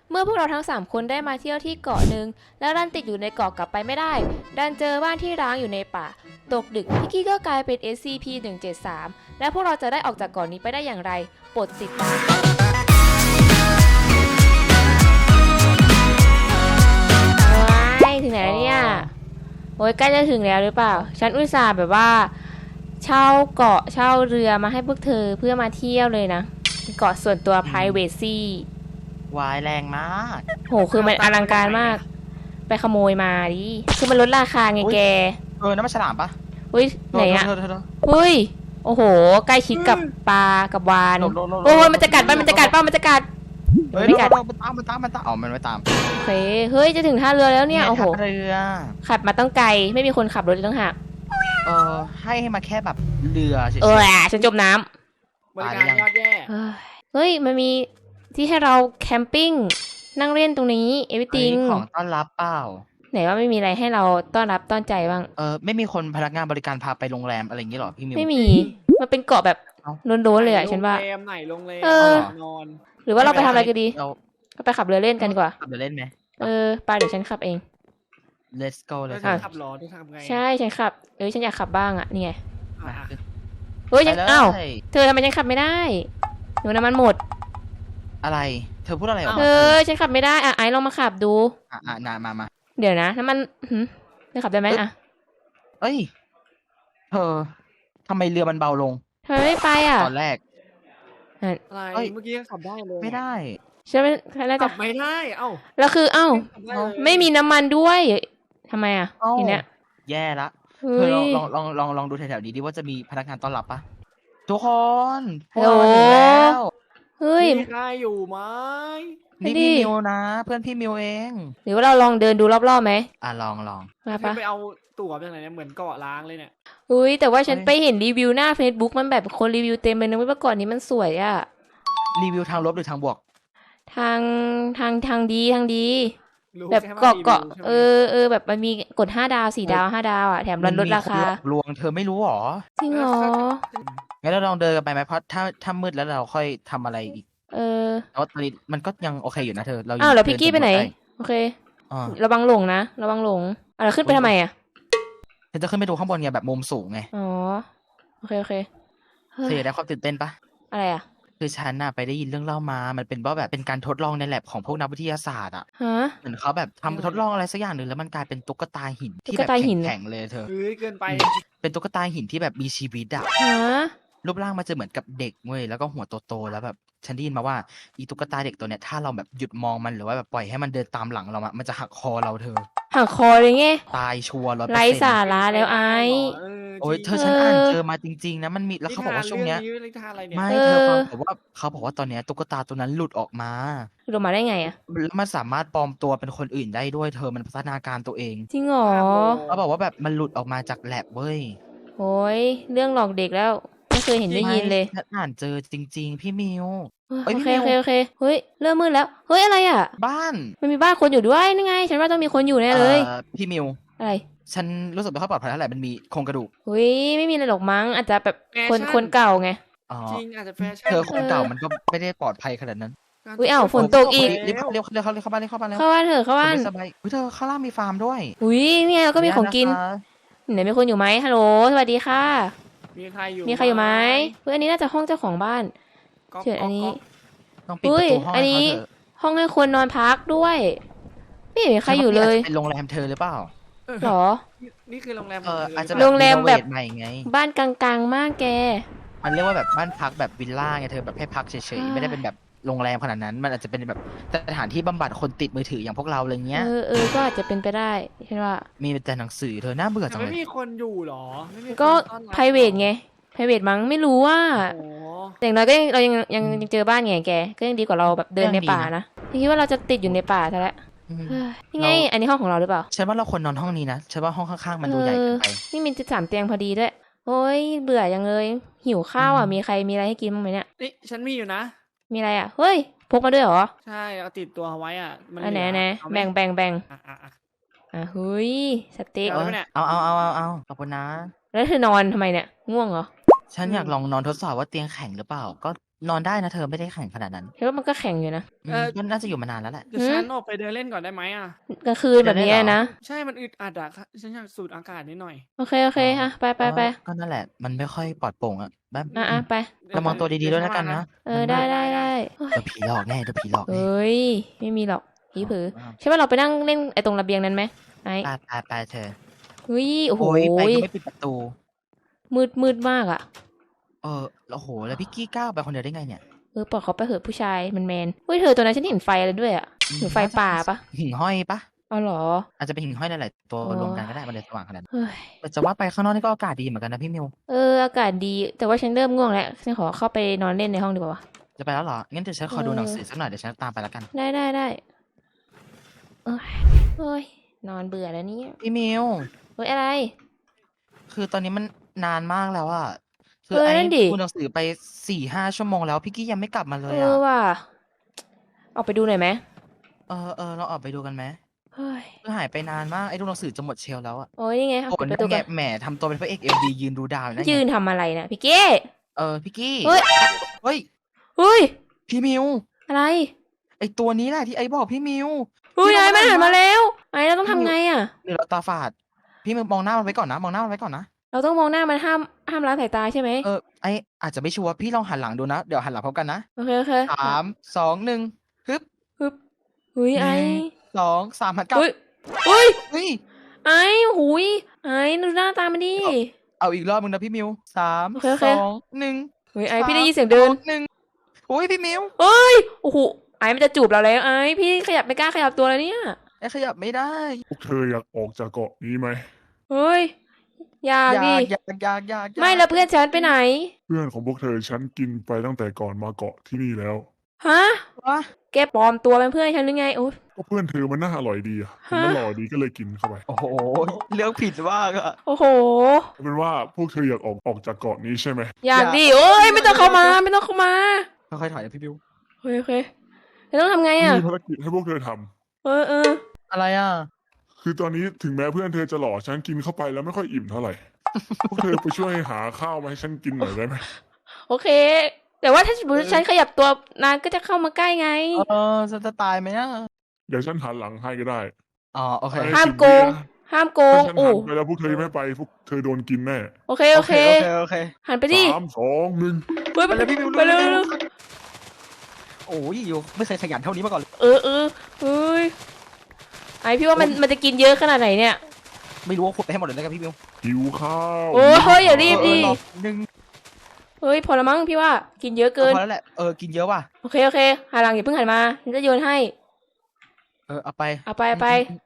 เมื่อพวกเราทั้ง3คนได้มาเที่ยวที่เกาะหนึ่งแล้วดันติดอยู่ในเกาะกลับไปไม่ได้ดันเจอบ้านที่ร้างอยู่ในป่าตกดึกพี่กี้ก็กลายเป็น SCP-173 และพวกเราจะได้ออกจากเกาะนี้ไปได้อย่างไรโปรดติดตามถึงไหนแล้วเนี่ยโอ้ยใกล้จะถึงแล้วหรือเปล่าฉันอุตส่าห์แบบว่าเช่าเกาะเช่าเรือมาให้พวกเธอเพื่อมาเที่ยวเลยนะเกาะส่วนตัว privacy วายแรงมากโหคือมันอลังการมากไปขโมยมาดิคือมันลดราคาไงแกน้ำมันฉลามปะอุ้ยไหนอะเธออุ้ยโอ้โหใกล้ชิดกับปลากับวานหลบโอ้ยมันจะกัดมันจะกัดมันจะกัดเฮ้ยไม่กัดมันตามอ๋อมันไม่ตามโอเคเฮ้ยจะถึงท่าเรือแล้วเนี่ยโอ้โหเรือขับมาต้องไกลไม่มีคนขับรถเลยต้องหักให้มาแค่แบบเรือเฉยฉันจมน้ำบริการยอดแย่เฮ้ยมันมีที่ให้เราแคมปิ้งนั่งเล่นตรงนี้เอวิติงของต้อนรับเปล่าไหนว่าไม่มีอะไรให้เราต้อนรับต้อนใจบ้างไม่มีคนพนักงานบริการพาไปโรงแรมอะไรอย่างงี้หรอพี่มิวไม่มีมันเป็นเกาะแบบเอ้าโล้นๆเลยอะฉันว่าไหนโรงแรมเออนอนหรือว่าเราไปทำอะไรกันดีเราก็ไปขับเรือเล่นกันดีกว่าขับเรือเล่นไหมไปเดี๋ยวฉันขับเอง Let's go เลยแล้วจะขับรอที่ทำไงใช่ฉันขับฉันอยากขับบ้างอะนี่ไงอ่ะเฮ้ยไปฉันเลยอ้าวเธอทำไมฉันขับไม่ได้หนูน้ำมันหมดอะไรเธอพูดอะไรออกเธมาอฉันขับไม่ได้ไอ้ลองมาขับดูนานมาเดี๋ยวนะน้ำมันเธอขับได้ไหมอะเอ้ยเธอทำไมเรือมันเบาลงทำไมไม่ไปอะตอนแรกอะไรเอ้ยเมื่อกี้ยังขับได้เลยไม่ได้ฉันน่าจะขับไม่ได้เอ้าแล้วคือขับด้เลยไม่มีน้ำมันด้วยทำไมอะเอ้าทีเนี้ยแย่ละเฮ้เธอย ลองดูแถวๆนี้ดิว่าจะมีพนักงานต้อนรับปะทุกคนฮัลโหลพวกเรามาถึงแล้วเฮ้ยมีใครอยู่ไหมนี่ดิพี่มิวนะ เพื่อนพี่มิวเองหรือว่าเราลองเดินดูรอบๆไหมลองมาพี่ปะไปเอาตั๋วมาจากไหนเนี่ยเหมือนเกาะล้างเลยเนี่ยอุ้ยแต่ว่าฉันเฮ้ยไปเห็นรีวิวหน้า Facebook มันแบบคนรีวิวเต็มเลยนะเว่าก่อนนี้มันสวยอะรีวิวทางลบหรือทางบวกทางดีรู้แบบแค่ว่าเกาะรีวิวใช่ไหมแบบมันมีกด5 ดาว4 ดาว5 ดาวอะแถมลดราคามันมีนหลอกลวงเธอไม่รู้หรอจริงเหรองั้นเราลองเดินกันไปไหมเพราะถ้ามืดแล้วเราค่อยทำอะไรอีก แต่ว่าตอนนี้มันก็ยังโอเคอยู่นะเธอ เราอ้าวแล้วพี่กี้ไปไหนเดิโอเคอ่าระวังหลงนะระวังหลงเราขึ้นไปทำไมอะเธอจะขึ้นไปดูข้างบนไงแบบมุมสูงไงอ๋อโอเคเฮ้เธอย อยากได้ความตื่นเต้นปะอะไรอะคือฉันน่ะไปได้ยินเรื่องเล่ามา มันเป็นว่าแบบเป็นการทดลองในแลบของพวกนักวิทยาศาสตร์อ่ะฮะเหมือนเขาแบบทำทดลองอะไรสักอย่างหนึ่งแล้วมันกลายเป็นตุ๊กตาหินที่ตุ๊แบกบตาหินแข็งๆเลยเธอเฮ้ยเกินไปเป็นตุ๊กตาหินที่แบบมีชีวิตอ่ะฮะรูปร่างมันจะเหมือนกับเด็กเว้ยแล้วก็หัวโตๆแล้วแบบฉันได้ยินมาว่าอีตุ๊กตาเด็กตัวเนี้ยถ้าเราแบบหยุดมองมันหรือว่าแบบปล่อยให้มันเดินตามหลังเราอะมันจะหักคอเราเธอหักคอเลยไงตายชัวร์100% ไร้สาระแล้วไอ้โอ้ยจริงเธอฉันอ่านเจอมาจริงๆนะมันมีแล้วเขาบอกว่าช่วงเนี้ยนิทานอะไรเนี่ยไม่เออเธอฟังแต่ว่าเขาบอกว่าตอนเนี้ยตุ๊กตาตัวนั้นหลุดออกมาหลุดมาได้ไงอะแล้วมันสามารถปลอมตัวเป็นคนอื่นได้ด้วยเธอมันพัฒนาการตัวเองจริงเหรอเขาบอกว่าแบบมันหลุดออกมาจากแลบเว้ยโอ้ยเรื่องหลอกเด็กแล้วไม่เคยเห็นได้ยินเลยไม่ฉันอ่านเจอจริง ๆ พี่มิว เอ้ยโอเคพี่โอมิวเคเฮ้ยเริ่มมืดแล้วเฮ้ยอะไรอะบ้านมันมีบ้านคนอยู่ด้วยนี่ไง ฉันว่าต้องมีคนอยู่แน่เลยพี่มิวอะไรฉันรู้สึกไม่ค่อยปลอดภัยเท่าไหร่มันมีโครงกระดูกเฮ้ยไม่มีอะไรหรอกมั้งอาจจะแบบแฟชั่คนเก่าไงอ๋อจริงอาจจะแฟชั่นเธอคนเก่ามันก็ไม่ได้ปลอดภัยขนาดนั้นอุ๊ยอ้าวฝนตกอีกรีบเข้าบ้านแล้วเข้าบ้านเถอะเข้าบ้านสบายเฮ้ยเธอข้างล่างมีฟาร์มด้วยอุ้ยเนี่ยเราก็มีของกินเยะคะไหนมีคนอยู่ไหมฮัลโหลสวัสดีค่ะมีใครอยู่มีใครอยู่ไหมเฮ้ยอันนี้น่าจะห้องเจ้าของบ้านก๊กเชิญอันนี้ก๊กต้องปิดประตูห้องอันให้นี้เขาเถอะห้องให้คนนอนพักด้วยไม่เห็นมีใครอยู่เลยฉันว่าเป็นโรงแรมเธอหรือเปล่าหรอนี่คือโรงแรมอาจจะโรงแรมแบบใหม่ไงบ้านกลางๆมากแกมันเรียกว่าแบบบ้านพักแบบวิลล่าไงเธอแบบให้พักเฉยๆไม่ได้เป็นแบบโรงแรมขนาดนั้น มันอาจจะเป็นแบบสถานที่บำบัดคนติดมือถืออย่างพวกเราอะไรเงี้ยก็อาจจะเป็นไปได้ฉันว่ามีแต่หนังสือเธอน่าเบื่อจังไม่เลยมีคนอยู่หรอไม่มีคนก็ต้อนรับ private ไง private มั้งไม่รู้ว่าโอ้โหแต่อย่างน้อยก็เรายังเจอบ้านไงแกก็ยังดีกว่าเราแบบเดินในป่านะคิดว่าเราจะติดอยู่ในป่าซะแล้วอืมเฮ้ยนี่ไงอันนี้ห้องของเราหรือเปล่าฉันว่าเราควรนอนห้องนี้นะฉันว่าห้องข้างๆมันดูใหญ่เกินไปนี่มี13 เตียงพอดีด้วยโอ้ยเบื่อยังเลยหิวข้าวอ่ะมีใครมีอะไรให้กินบ้างไหมเนี่ยนี่ฉันมีอยู่นะมีอะไรอ่ะเฮ้ยพกมาด้วยเหรอใช่เอาติดตัวเอาไว้อ่ะมันอันไหนเหลืแบ่งอ่ะเฮ้ยสเต็กเอาไว้เนี่ยเอาขอบคุณนะแล้วเธอนอนทำไมเนี่ยง่วงเหรอฉันอยากลองนอนทดสอบว่าเตียงแข็งหรือเปล่า ก็นอนได้นะเธอไม่ได้แข็งขนาดนั้นเห็นว่ามันก็แข็งอยู่นะก็น่าจะอยู่มานานแล้วแหละเดี๋ยวฉันออกไปเดินเล่นก่อนได้ไหมอ่ะกลางคืนแบบนี้นะใช่มันอึดอัดอะค่ะฉันอยากสูดอากาศนิดหน่อยโอเคโอเคฮะไปก็นั่นแหละมันไม่ค่อยปลอดโปร่งอ่ะแบบอ่ะไประวังตัวดีๆด้วยแล้วกันนะได้เดี๋ยวผีหลอกแน่เดี๋ยวผีหลอกแน่เอ้ยไม่มีหรอกผีผือใช่ป่ะเราไปนั่งเล่นไอ้ตรงระเบียงนั้นไหมไอ้ไปเธอเฮ้ยโอ้โหโอ้ยไปก็ไม่ปิดประตูมืดมากอ่ะโอ้โหแล้วพี่กี้ก้าวไปคนเดียวได้ไงเนี่ยปล่อยเขาไปเหอะผู้ชายมันแมนเฮ้ยเธอตัวนั้นฉันเห็นไฟอะไรด้วยอ่ะเห็นไฟป่าปะหิ่งห้อยปะเอาเหรออาจจะเป็นหิ่งห้อยหลายๆตัวอ๋อรวมกันก็ได้มันเลยสว่างขนาดนั้นเฮ้ยแต่จะว่าไปข้างนอกนี่ก็อากาศดีเหมือนกันนะพี่มิวอากาศดีแต่ว่าฉันเริ่มง่วงแล้วฉันขอเข้าไปนอนเล่นในห้องดีกว่าจะไปแล้วเหรองั้นเดี๋ยวฉันขอดูหนังสือสักหน่อยเดี๋ยวฉันตามไปแล้วกันได้เอ้ยนอนเบื่อแล้วเนี่ยพี่มิวเฮ้ยอะไรคือตอนนี้มันนานมากแล้วอะคืเออไอ้นั่นดิดูหนังสือไป4-5 ชั่วโมงแล้วพี่กี้ยังไม่กลับมาเลยว่ะออกไปดูหน่อยไหมเราออกไปดูกันไหมเฮ้ยคือหายไปนานมากไอ้ดูหนังสือจะหมดเชลฟ์แล้วอะโอ้ยนี่ไงเอาโอ้ปิดยประตูไงก่อนแหมทำตัวเป็นพระเอกMVยืนดูดาวอยู่นั่นไงยืนทำอะไรนะพี่เก้พี่กี้เฮ้ยเฮ้ยเฮ้ยพี่มิวอะไรไอตัวนี้แหละที่ไอบอกพี่มิวเฮ้ยพี่ไอ้มัมันนหันหันมามาแล้วไอ้เราต้องทำไงอ่ะหรือเราตาฝาด พี่มิวมองหน้ามันไว้ก่อนนะมองหน้ามันไว้ก่อนนะเราต้องมองหน้ามันห้ามละสายตาใช่ไหมไออาจจะไม่ชัวร์พี่ลองหันหลังดูนะเดี๋ยวหันหลังพร้อมกันนะโอเค 3 2 1ฮึบเฮ้ยไอ้ 2 3หันกลับเฮ้ยเฮ้ยเฮ้ยไอ้หุยไอ้ดูหน้าตามันดิเอาอีกรอบมึงนะพี่มิว3 โอเค 2 1 เฮ้ยไอ้พี่ได้ยินเสียงเดิน 1อุ้ยพี่มิวเฮ้ยโอ้โหไอ้มันจะจูบเราแล้วไอ้พี่ขยับไม่กล้าขยับตัวแล้วเนี่ยไอขยับไม่ได้พวกเธออยากออกจากเกาะนี้ไหมเฮ้ยอยากดิอยากไม่แล้วเพื่อนฉันไปไหนเพื่อนของพวกเธอฉันกินไปตั้งแต่ก่อนมาเกาะที่นี่แล้วฮะวะแกปลอมตัวเป็นเพื่อนฉันหรือไงโอ้ยก็เพื่อนเธอมันน่าอร่อยดีอะเห็นมันหล่อดีก็เลยกินเข้าไปโอ้โหเลือกผิดมากอะโอ้โหเอาเป็นว่าพวกเธออยากออกจากเกาะนี้ใช่ไหมอยากดิโอ้ยไม่ต้องเข้ามาไม่ต้องเข้ามาค่อยๆถอยนะพี่มิวโอเคแล้วต้องทำไงอ่ะมีภารกิจให้พวกเธอทำเอออะไรอ่ะคือตอนนี้ถึงแม้เพื่อนเธอจะหล่อฉันกินเข้าไปแล้วไม่ค่อยอิ่มเท่าไหร่ พวกเธอไปช่วยหาข้าวมาให้ฉันกินหน่อยได้ไหมโอเค แต่ว่าถ้าสมมติฉันขยับตัวนานก็จะเข้ามาใกล้ไงฉันจะตายไหมอ่ะเดี๋ยวฉันหันหลังให้ก็ได้โอเคห้ามโกง ห้ามโกงถ้าฉันโอ้หันไปแล้วพวกเธอไม่ไปพวกเธอโดนกินแน่โอเคโอเคหันไปดิ 3 2 1 เฮ้ยไปเลยพี่มิวไปเร็วโอ้ยอยู่ไม่เคยขยันเท่านี้มาก่อนเลยเฮ้ยไอพี่ว่ามันจะกินเยอะขนาดไหนเนี่ยไม่รู้ว่าขุดไปให้หมดเลยแล้วกันพี่มิวหิวข้าวโอ้เฮ้ยอย่ารีบดิรอหนึ่งเฮ้ยพอละมั้งพี่ว่ากินเยอะเกินพอแล้วแหละกินเยอะว่ะโอเคหันหลังอย่าเพิ่งหันมาฉันจะโยนให้เอาไปเอาไป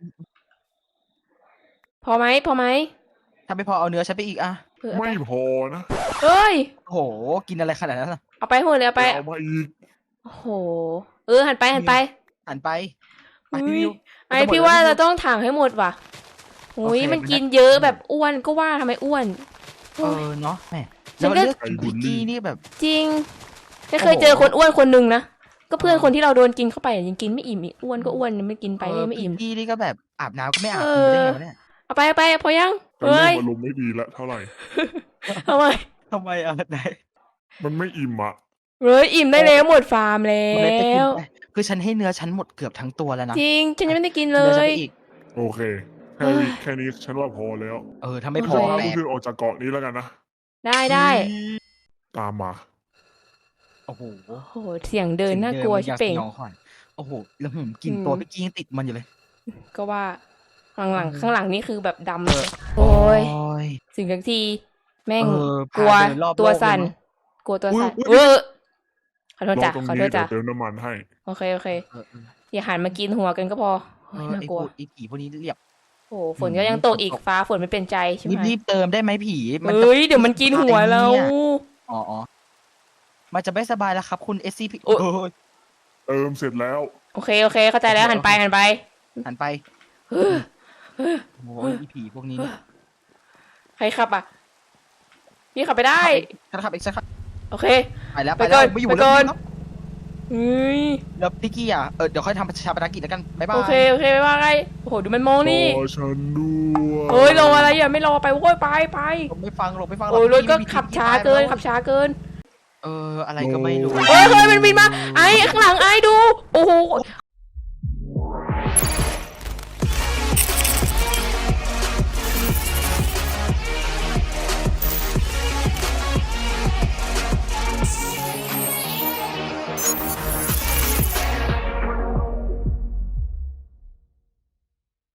พอไหมถ้าไม่พอเอาเนื้อฉันไปอีกอ่ะเอาไปไม่พอนะเฮ้ยโอ้โหกินอะไรขนาดนั้นล่ะเอาไปหมดเลยเอาไปเอามาอีกโอ้โหหันไปหันไปไปพี่มิวไอพี่ว่าเราต้องถังให้หมดว่ะโอ้ยโอเคมันกินเยอะแบบอ้วนก็ว่าทำไมอ้วนโอ้ยเนาะแหมฉัแล้วนก็เลือกกินพิกกี้นี่แบบจริงไม่เคยเจอคนอ้วนคนหนึ่งนะก็เพื่อนคนที่เราโดนกินเข้าไปยังกินไม่อิ่มอีกอ้วนก็อ้วนไม่กินไปเลยไม่อิ่มพิกกี้นี่ก็แบบอาบน้ำก็ไม่อาบเอกินอได้ไงวะเนี่ยเอาไปพอยังตอนเฮ้เริ่ยมอารมณ์ไม่ดีละเท่าไหร่ทำไมทำไมไหนมันไม่อิ่มอ่ะเฮ้ยอิ่มได้แล้วหมดฟาร์มแล้มันเลยไปกินวไปคือฉันให้เนื้อฉันหมดเกือบทั้งตัวแล้วนะจริงฉันยังไม่ได้กินเลเนื้อฉันยไปอีกโอเคเฮ้ยแค่นี้ฉันว่าพอแล้วถ้าไม่พฉัอนว่าแปพวกลเธอออกจากเกาะนี้แล้วกันนะได้ตามมาโอ้โหโอ้โหเสียงเดินน่ากลัวชิบเป่งยองขวัญโอ้โหแล้วกินตัวพิกกี้ยังติดมันอยู่เลยก็ว่าข้างหลังนี่คือแบบดำเลยโอ้ยยสิ่งทักทีแม่งพากลัวเดินรอบตัวโลกสั่นเลยเนอะกลัวตัวสั่นอุ๊ยขอโทษรอจ้ะตรงขอนี้โทษเดี๋จ้ะยวเติมน้ำมันให้โอเคเอออย่าหันมากินหัวกันก็พอโอ้ยน่ากลัวไอ้ผีพวกนี้เรียบโอ้โหฝนก็ยังตกอีกฟ้าฝนไม่เป็นใจใช่ไหมรีบเติมได้ไหมผีมันจะเฮ้ยเดี๋ยวมันกินหัวเราเนี่ย อ๋อมันจะไม่สบายแล้วครับคุณ SCP โอ๊ยยเติมเสร็จแล้วโอเคเข้าใจแล้วหันไปหันไปเฮ้ยโอ้ยไอ้ผีพวกนี้เนี่ยใครขับอ่ะพี่ขับไปได้ฉันขับอีกสักครับโอเคไปแล้วไปก่อนไม่อยู่ไปแล้วก่อนแล้วเฮ้ยแล้วพี่กี้เดี๋ยวค่อยทำชาปนกิจแล้วกันบ๊ายบายโอเคไม่ว่าไงโอ้โหดูมันมองนี่รอฉันด้วยเฮ้ยรออะไรอย่าไม่รอไปโว้ยไปลงไม่ฟังโอ้ยรถก็พี่ขับช้าเกินขับช้าเกินอะไรก็ไม่รู้เฮ้ยมันบินมาไอ้ข้างหลังไอ้ดู โอ้โห